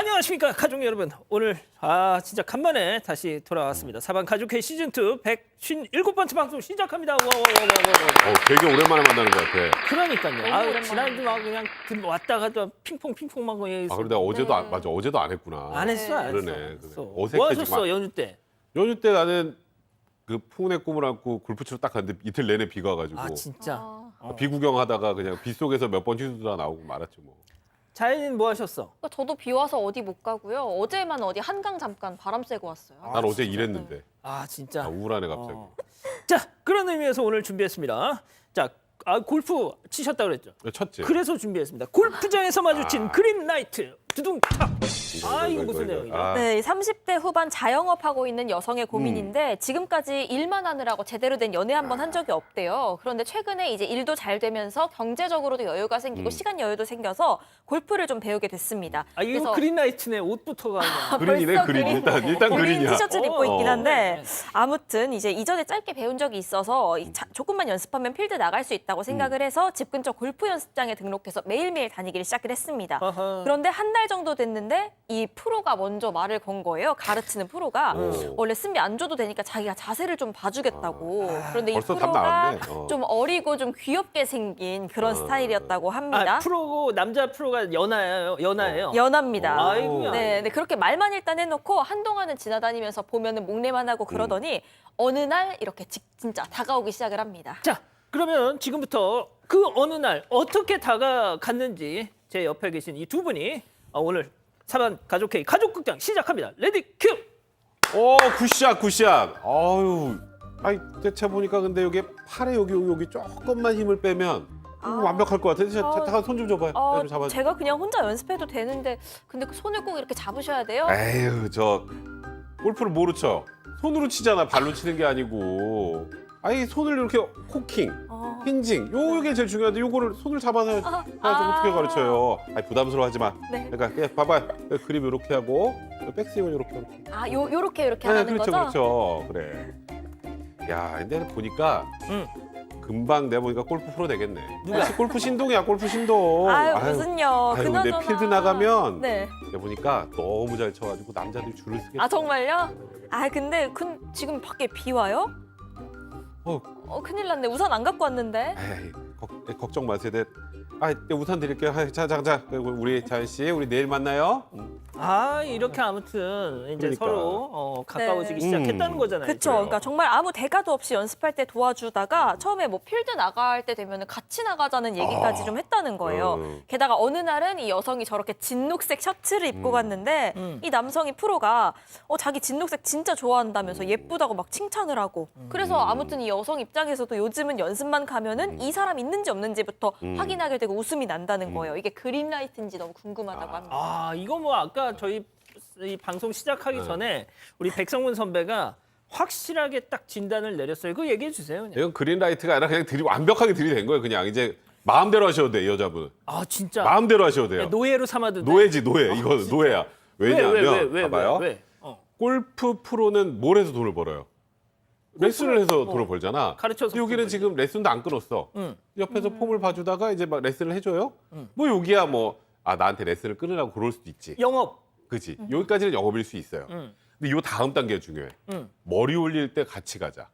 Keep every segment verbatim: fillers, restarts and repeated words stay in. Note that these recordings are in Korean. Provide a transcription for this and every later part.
안녕하십니까 가족 여러분. 오늘 아 진짜 간만에 다시 돌아왔습니다. 사반 가족회 시즌 투 백오십칠 번째 방송 시작합니다. 와, 와, 와, 와, 와, 와. 어, 되게 오랜만에 만나는 것 같아. 그러니까요. 아, 오랜만에. 지난주 막 그냥 들- 왔다 갔다 핑퐁 핑퐁 막 그냥 아, 그런데 어제도 안, 맞아. 어제도 안 했구나. 안 했어, 안 했어. 그러네. 안 했어. 그러네. 뭐 어색해, 하셨어 지금. 연휴 때? 연휴 때 나는 그 풍운의 꿈을 안고 골프 치러 딱 갔는데 이틀 내내 비가 와가지고 아 진짜. 아, 어. 비 구경하다가 그냥 비 속에서 몇 번 휘두르다 나오고 말았죠 뭐. 자연인 뭐 하셨어? 그러니까 저도 비 와서 어디 못 가고요. 어제만 어디 한강 잠깐 바람 쐬고 왔어요. 아, 난 어제 진짜? 일했는데. 아 진짜. 아, 우울하네 갑자기. 어. 자 그런 의미에서 오늘 준비했습니다. 자 아, 골프 치셨다 그랬죠? 쳤지. 그래서 준비했습니다. 골프장에서 마주친 아. 그린 나이트 두둥탁. 이거, 아 이거, 이거 무슨 이거, 이거. 내용이죠? 아, 네, 삼십 대 후반 자영업하고 있는 여성의 고민인데 음. 지금까지 일만 하느라고 제대로 된 연애 한 번 한 적이 없대요. 그런데 최근에 이제 일도 잘 되면서 경제적으로도 여유가 생기고 음. 시간 여유도 생겨서 골프를 좀 배우게 됐습니다. 아 이거 그린 나이트네 옷부터가 그냥. 그린이네 벌써 그린. 그린. 일단 일단 그린 그린이야. 티셔츠를 입고 어. 있긴 한데 네. 아무튼 이제 이전에 짧게 배운 적이 있어서 이 자- 조금만 연습하면 필드 나갈 수 있다고 생각을 해서 집 근처 골프 연습장에 등록해서 매일매일 다니기를 시작을 했습니다. 어허. 그런데 한 달 정도 됐는데 이 프로가 먼저 말을 건 거예요. 가르치는 프로가 오. 원래 승비 안 줘도 되니까 자기가 자세를 좀 봐주겠다고. 그런데 이 벌써 답 프로가 나왔네. 어. 좀 어리고 좀 귀엽게 생긴 그런 어. 스타일이었다고 합니다. 아 프로고 남자 프로가 연하예요. 연하예요. 연합니다. 아이고야. 네, 네, 그렇게 말만 일단 해놓고 한동안은 지나다니면서 보면은 목례만 하고 그러더니 어느 날 이렇게 직- 진짜 다가오기 시작을 합니다. 자 그러면 지금부터 그 어느 날 어떻게 다가갔는지 제 옆에 계신 이 두 분이 어, 오늘 사반 가족회의 가족극장 시작합니다. 레디 큐. 오 굿샷 굿샷. 아유. 아이 대체 보니까 근데 여기 팔에 여기 여기 조금만 힘을 빼면 아. 완벽할 것 같아. 아. 잠깐 손 좀 줘봐요. 어, 내가 좀 잡아. 제가 그냥 혼자 연습해도 되는데 근데 그 손을 꼭 이렇게 잡으셔야 돼요? 에휴 저 골프를 뭐로 쳐? 손으로 치잖아. 발로 치는 게 아니고. 아니 손을 이렇게 코킹, 어. 힌징 요게 제일 중요한데 요거를 손을 잡아서 해야지 아, 어떻게 아. 가르쳐요? 아니 부담스러워하지 마. 네. 그러니까 그냥 봐봐. 그립 이렇게 하고 백스윙은 이렇게 이렇게. 아, 요 요렇게 요렇게 네, 하는 그렇죠, 거죠? 그렇죠. 그래. 야, 근데 보니까 응. 금방 내가 보니까 골프 프로 되겠네. 누가? 역시 골프 신동이야, 골프 신동. 아유, 무슨요? 아유, 근데 그나저나. 필드 나가면 네. 내가 보니까 너무 잘 쳐가지고 남자들이 줄을 쓰겠다. 아 정말요? 아 근데 근, 지금 밖에 비 와요? 어, 어 큰일 났네. 우산 안 갖고 왔는데. 에이, 걱, 걱정 마세요. 네. 아, 네, 우산 드릴게요. 아, 자, 자, 자. 그리고 우리 자연 씨, 우리 내일 만나요. 음. 아 이렇게 아무튼 이제 그러니까. 서로 어, 가까워지기 네. 시작했다는 음. 거잖아요. 그쵸. 그러니까 정말 아무 대가도 없이 연습할 때 도와주다가 처음에 뭐 필드 나갈 때 되면 같이 나가자는 얘기까지 아. 좀 했다는 거예요. 음. 게다가 어느 날은 이 여성이 저렇게 진녹색 셔츠를 입고 음. 갔는데 음. 이 남성이 프로가 어, 자기 진녹색 진짜 좋아한다면서 예쁘다고 막 칭찬을 하고 그래서 아무튼 이 여성 입장에서도 요즘은 연습만 가면은 이 사람 있는지 없는지부터 음. 확인하게 되고 웃음이 난다는 거예요. 이게 그린라이트인지 너무 궁금하다고 아. 합니다. 아 이거 뭐 아까 저희 이 방송 시작하기 네. 전에 우리 백성문 선배가 확실하게 딱 진단을 내렸어요. 그거 얘기해 주세요. 그냥. 이건 그린라이트가 아니라 그냥 들이 완벽하게 들이댄 거예요. 그냥 이제 마음대로 하셔도 돼, 이 여자분. 아 진짜 마음대로 하셔도 돼요. 노예로 삼아도 돼? 노예지 노예. 이거 노예야. 왜냐하면 왜, 왜, 왜, 왜, 봐봐요. 왜, 왜? 어. 골프 프로는 뭘 해서 돈을 벌어요? 레슨을 해서 돈을 벌잖아. 가르쳐서 근데 여기는 돈을 지금 레슨도 안 끊었어. 응. 옆에서 폼을 봐주다가 이제 막 레슨을 해줘요. 음. 뭐 여기야 뭐 아 나한테 레슨을 끊으라고 그럴 수도 있지. 영업. 그지? 여기까지는 영업일 수 있어요. 응. 근데 요 다음 단계가 중요해. 응. 머리 올릴 때 같이 가자.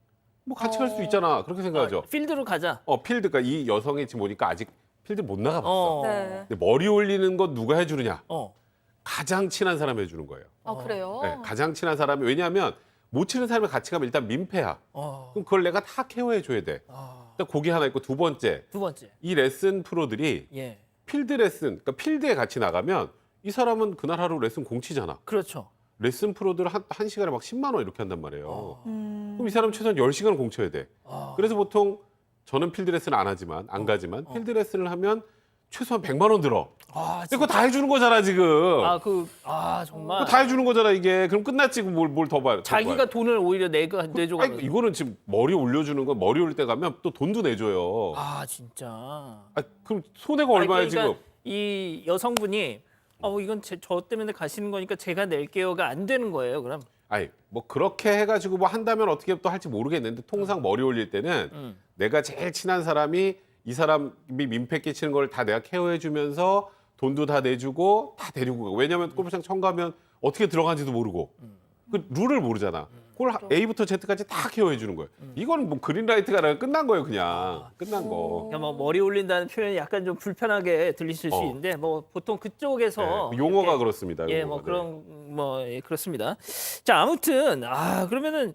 뭐 같이 갈 수도 있잖아. 그렇게 생각하죠. 어, 필드로 가자. 어 필드가 이 여성이 지금 보니까 아직 필드 못 나가봤어. 어. 네. 근데 머리 올리는 건 누가 해주느냐? 어. 가장 친한 사람이 해주는 거예요. 아 그래요? 네, 가장 친한 사람이 왜냐하면 못 치는 사람이 같이 가면 일단 민폐야. 어. 그럼 그걸 내가 다 케어해 줘야 돼. 아. 일단 고기 하나 있고 두 번째 두 번째. 이 레슨 프로들이 예. 필드 레슨, 그러니까 필드에 같이 나가면 이 사람은 그날 하루 레슨 공치잖아. 그렇죠. 레슨 프로들 한, 한 시간에 막 십만 원 이렇게 한단 말이에요. 어. 음. 그럼 이 사람 최소한 열 시간을 공쳐야 돼. 아. 그래서 보통 저는 필드 레슨 안 하지만 안 가지만 어. 필드 레슨을 하면 최소한 백만 원 들어. 아, 근데 그거 다 해주는 거잖아 지금. 아, 그, 아, 정말. 그거 다 해주는 거잖아 이게. 그럼 끝났지 뭘 뭘 더 봐요. 더 자기가 봐요. 돈을 오히려 내가 내줘가. 아니, 이거는 지금 머리 올려주는 건 머리 올릴 때 가면 또 돈도 내줘요. 아, 아, 진짜. 그럼 손해가 얼마야 아니, 그러니까 지금? 이 여성분이 어 이건 제, 저 때문에 가시는 거니까 제가 낼게요가 안 되는 거예요. 그럼. 아니 뭐 그렇게 해가지고 뭐 한다면 어떻게 또 할지 모르겠는데 통상 머리 올릴 때는 음. 내가 제일 친한 사람이 이 사람이 민폐 끼치는 걸 다 내가 케어해주면서 돈도 다 내주고 다 데리고 가고. 왜냐하면 골프장 처음 가면 어떻게 들어가는지도 모르고 그 룰을 모르잖아. 그걸 A부터 Z까지 다 케어해 주는 거예요. 이거는 뭐 그린라이트가 아니라 끝난 거예요, 그냥. 끝난 거. 그러니까 뭐 머리 올린다는 표현이 약간 좀 불편하게 들리실 수 어. 있는데 뭐 보통 그쪽에서 네, 용어가 이렇게 그렇습니다. 예, 용어가. 뭐 네. 그런 뭐 예, 그렇습니다. 자, 아무튼 아 그러면은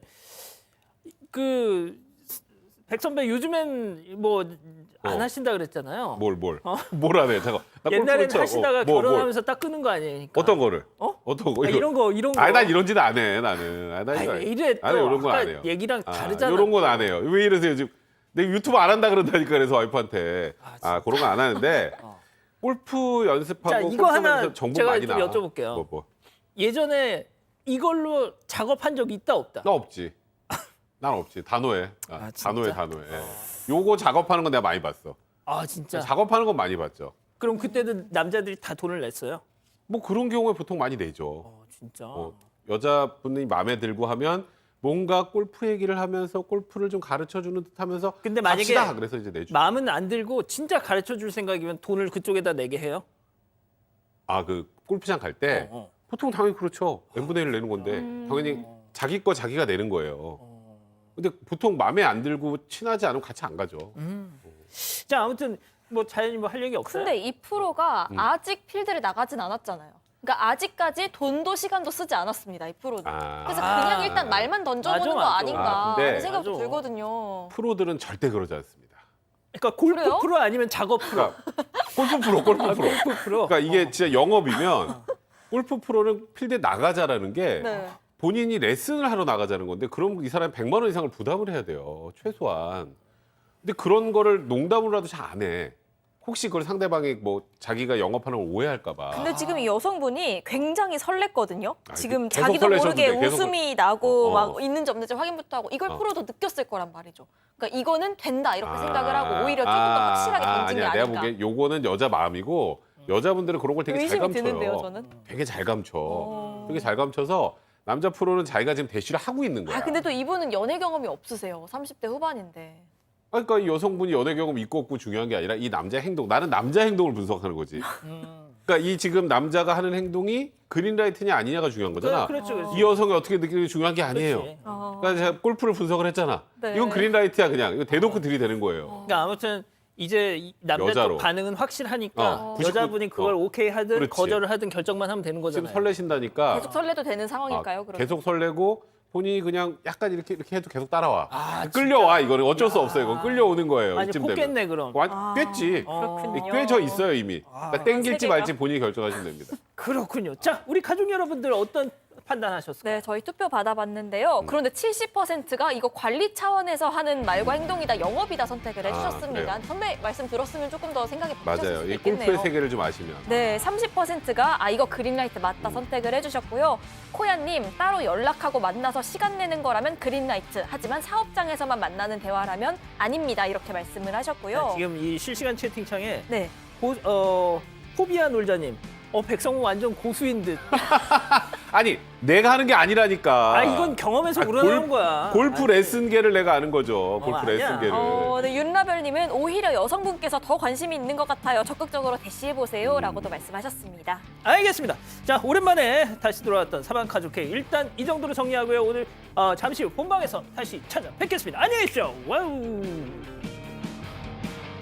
그 백선배 요즘엔 뭐 안 어. 하신다 그랬잖아요. 뭘 뭘? 뭘 안 해? 잠깐. 나 골프 옛날엔 쳐. 하시다가 어, 뭐, 뭘? 결혼하면서 딱 끄는 거 아니니까. 어떤 거를? 어? 어떤 거? 아, 이런 거 이런 거. 아니 난 이런 짓 안 해. 나는. 아니, 난 아니, 이거 왜 이래 또 아니, 이런 건 아까 안 해요. 얘기랑 아, 다르잖아. 이런 건 안 해요. 왜 이러세요 지금? 내가 유튜브 안 한다 그런다니까 그래서 와이프한테 아, 진짜? 그런 거 안 하는데 어. 골프 연습하고 자, 이거 골프 하나 하면서 정보 제가 많이 좀 나와. 여쭤볼게요. 뭐, 뭐. 예전에 이걸로 작업한 적 있다 없다? 나 없지. 난 없지. 단호해. 아, 아, 진짜? 단호해, 단호해. 예. 요거 작업하는 건 내가 많이 봤어. 아 진짜. 작업하는 건 많이 봤죠. 그럼 그때도 남자들이 다 돈을 냈어요? 뭐 그런 경우에 보통 많이 내죠. 어 진짜. 어, 여자분이 마음에 들고 하면 뭔가 골프 얘기를 하면서 골프를 좀 가르쳐 주는 듯 하면서 근데 만약에 갑시다. 그래서 이제 내주. 마음은 안 들고 진짜 가르쳐 줄 생각이면 돈을 그쪽에다 내게 해요? 아, 그 골프장 갈 때 어, 어. 보통 당연히 그렇죠. 엠분의 일을 내는 건데 당연히 자기 거 자기가 내는 거예요. 어. 근데 보통 마음에 안 들고 친하지 않으면 같이 안 가죠. 음. 자 아무튼 뭐 자연히 뭐 할 얘기 없어요? 근데 이 프로가 음. 아직 필드를 나가진 않았잖아요. 그러니까 아직까지 돈도 시간도 쓰지 않았습니다. 이 프로는. 아. 그래서 아. 그냥 일단 말만 던져보는 맞아, 거 맞아. 아닌가 아, 근데- 하는 생각도 맞아. 들거든요. 프로들은 절대 그러지 않습니다. 그러니까 골프 그래요? 프로 아니면 작업 프로? 그러니까 골프 프로, 골프 아, 프로. 골프 프로. 그러니까 이게 진짜 영업이면 골프 프로는 필드에 나가자라는 게 네. 본인이 레슨을 하러 나가자는 건데 그럼 이 사람이 백만 원 이상을 부담을 해야 돼요. 최소한. 근데 그런 거를 농담으로라도 잘 안 해. 혹시 그걸 상대방이 뭐 자기가 영업하는 걸 오해할까 봐. 근데 지금 이 여성분이 굉장히 설렜거든요. 아, 지금 계속 자기도 설레셔도 모르게 돼, 계속 웃음이 나고 어, 어. 막 있는지 없는지 확인부터 하고 이걸 어. 프로도 느꼈을 거란 말이죠. 그러니까 이거는 된다 이렇게 아, 생각을 하고 오히려 조금 더 아, 확실하게 던진 게 아니야. 아닌가. 내가 보기엔 요거는 여자 마음이고 여자분들은 그런 걸 되게 잘 의심이 감춰요. 드는데요, 저는. 되게 잘 감춰. 어. 되게 잘 감춰서 남자 프로는 자기가 지금 대시를 하고 있는 거야. 아 근데 또 이분은 연애 경험이 없으세요. 삼십 대 후반인데. 그러니까 이 여성분이 연애 경험 있고 없고 중요한 게 아니라 이 남자의 행동. 나는 남자 행동을 분석하는 거지. 음. 그러니까 이 지금 남자가 하는 행동이 그린라이트냐 아니냐가 중요한 거잖아. 그, 그렇죠, 그렇죠. 이 여성이 어떻게 느끼는 게 중요한 게 아니에요. 그렇지. 어. 그러니까 제가 골프를 분석을 했잖아. 네. 이건 그린라이트야 그냥. 이거 대놓고 들이대는 거예요. 그러니까 아무튼 이제 이 남자 여자로. 쪽 반응은 확실하니까 어, 여자분이 그걸 어. 오케이 하든 그렇지. 거절을 하든 결정만 하면 되는 지금 거잖아요. 설레신다니까 계속 설레도 되는 아, 상황일까요? 그럼 계속 설레고 본인이 그냥 약간 이렇게 이렇게 해도 계속 따라와. 아, 끌려와 이거는 어쩔 수 없어요. 이건 끌려오는 거예요. 아니 이쯤 되면. 뽑겠네 그럼. 완 아, 꿰지. 그렇군요. 꿰져 있어요 이미. 그러니까 땡길지 세계가. 말지 본인이 결정하시면 됩니다. 그렇군요. 자 우리 가족 여러분들 어떤 판단하셨을까요? 네, 저희 투표 받아봤는데요. 음. 그런데 칠십 퍼센트가 이거 관리 차원에서 하는 말과 행동이다, 영업이다 선택을 아, 해주셨습니다. 그래요? 선배 말씀 들었으면 조금 더 생각이 바뀌었을 맞아요. 수도 이 골프의 있겠네요. 세계를 좀 아시면. 네, 삼십 퍼센트가 아 이거 그린라이트 맞다 음. 선택을 해주셨고요. 코야님 따로 연락하고 만나서 시간 내는 거라면 그린라이트, 하지만 사업장에서만 만나는 대화라면 아닙니다 이렇게 말씀을 하셨고요. 자, 지금 이 실시간 채팅창에 네, 고, 어, 포비아 놀자님, 어 백성우 완전 고수인 듯. 아니 내가 하는 게 아니라니까. 아 이건 경험에서 아, 우러나온 골- 거야. 골프 아니, 레슨계를 내가 아는 거죠. 골프 아니야. 레슨계를. 어, 네, 윤라별님은 오히려 여성분께서 더 관심이 있는 것 같아요. 적극적으로 대시해 보세요라고도 말씀하셨습니다. 알겠습니다. 자 오랜만에 다시 돌아왔던 사방 가족회 일단 이 정도로 정리하고요. 오늘 어, 잠시 후 본방에서 다시 찾아뵙겠습니다. 안녕히 계십시오. 와우.